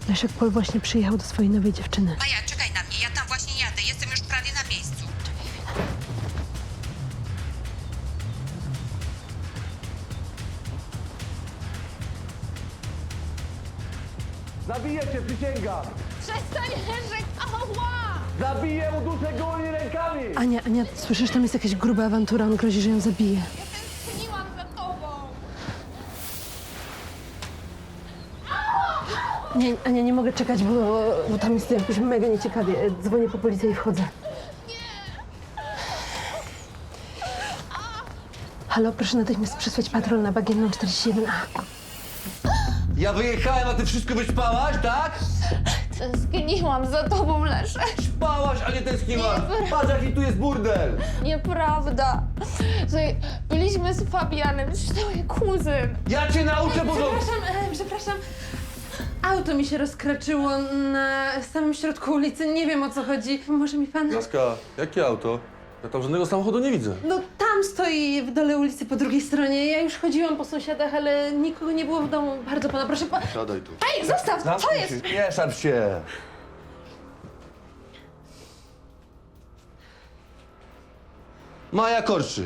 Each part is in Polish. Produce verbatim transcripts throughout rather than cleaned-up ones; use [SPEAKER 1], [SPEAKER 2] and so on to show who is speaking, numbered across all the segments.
[SPEAKER 1] Leszek Pol właśnie przyjechał do swojej nowej dziewczyny.
[SPEAKER 2] Maja, czekaj na mnie, ja tam właśnie jadę. Jestem już prawie na miejscu.
[SPEAKER 3] Zabiję cię, przysięgam!
[SPEAKER 4] Przestań, Leszek! Ała!
[SPEAKER 3] Zabiję, uduszę gołymi rękami!
[SPEAKER 1] Ania, Ania, słyszysz, tam jest jakaś gruba awantura, on grozi, że ją zabije.
[SPEAKER 4] Ja tęskniłam za tobą!
[SPEAKER 1] Nie, Ania, nie mogę czekać, bo, bo tam jest jakoś mega nieciekawie. Dzwonię po policję i wchodzę. Halo, proszę natychmiast przysłać patrol na Bagienną czterdzieści jeden A.
[SPEAKER 3] Ja wyjechałem, a ty wszystko wyspałaś, tak?
[SPEAKER 4] Tęskniłam za tobą, Leszek!
[SPEAKER 3] Spałaś, a nie tęskniłaś!
[SPEAKER 4] Nie,
[SPEAKER 3] Patrz, jaki tu jest burdel!
[SPEAKER 4] Nieprawda! Słuchaj, byliśmy z Fabianem, to mój kuzyn.
[SPEAKER 3] Ja cię nauczę porządku!
[SPEAKER 1] Przepraszam, e, przepraszam. Auto mi się rozkraczyło na samym środku ulicy. Nie wiem, o co chodzi. Może mi pan...
[SPEAKER 3] Laska, jakie auto? Ja tam żadnego samochodu nie widzę.
[SPEAKER 1] No tam stoi w dole ulicy po drugiej stronie. Ja już chodziłam po sąsiadach, ale nikogo nie było w domu. Bardzo pana proszę. Pa...
[SPEAKER 3] Siadaj tu.
[SPEAKER 4] Ej, zostaw! Co jest?
[SPEAKER 3] Nie szarp się! Maja Korczyk.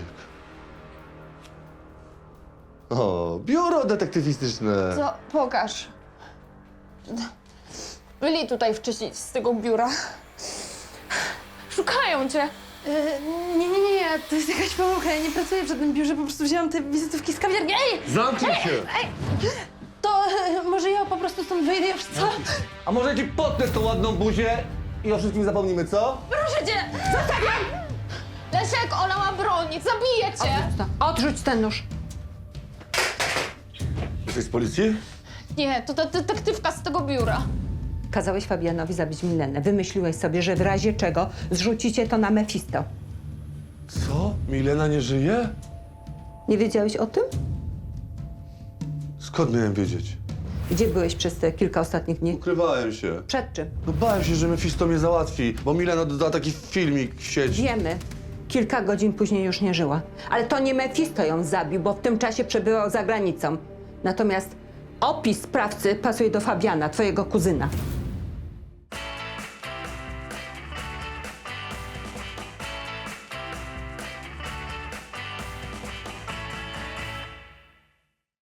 [SPEAKER 3] O, biuro detektywistyczne.
[SPEAKER 4] Co? Pokaż. Byli tutaj wcześniej z tego biura. Szukają cię.
[SPEAKER 1] E, nie, nie, nie, ja- to jest jakaś pomyłka. Ja nie pracuję w żadnym biurze, po prostu wzięłam te wizytówki z kawiarni. Ej!
[SPEAKER 3] Zamknij się!
[SPEAKER 1] To e, może ja po prostu stąd wyjdę już, co?
[SPEAKER 3] A może ci potnę tą ładną buzię i o wszystkim zapomnimy, co?
[SPEAKER 4] Proszę cię! Zostawiam! Leszek, ona ma broń, zabije cię!
[SPEAKER 1] Odrzuć ten nóż.
[SPEAKER 3] Jesteś z policji?
[SPEAKER 4] Nie, to ta detektywka z tego biura.
[SPEAKER 5] Kazałeś Fabianowi zabić Milenę. Wymyśliłeś sobie, że w razie czego zrzucicie to na Mefisto.
[SPEAKER 3] Co? Milena nie żyje?
[SPEAKER 5] Nie wiedziałeś o tym?
[SPEAKER 3] Skąd miałem wiedzieć?
[SPEAKER 5] Gdzie byłeś przez te kilka ostatnich dni?
[SPEAKER 3] Ukrywałem się.
[SPEAKER 5] Przed czym?
[SPEAKER 3] No bałem się, że Mefisto mnie załatwi, bo Milena dodała taki filmik w sieć.
[SPEAKER 5] Wiemy. Kilka godzin później już nie żyła. Ale to nie Mefisto ją zabił, bo w tym czasie przebywał za granicą. Natomiast opis sprawcy pasuje do Fabiana, twojego kuzyna.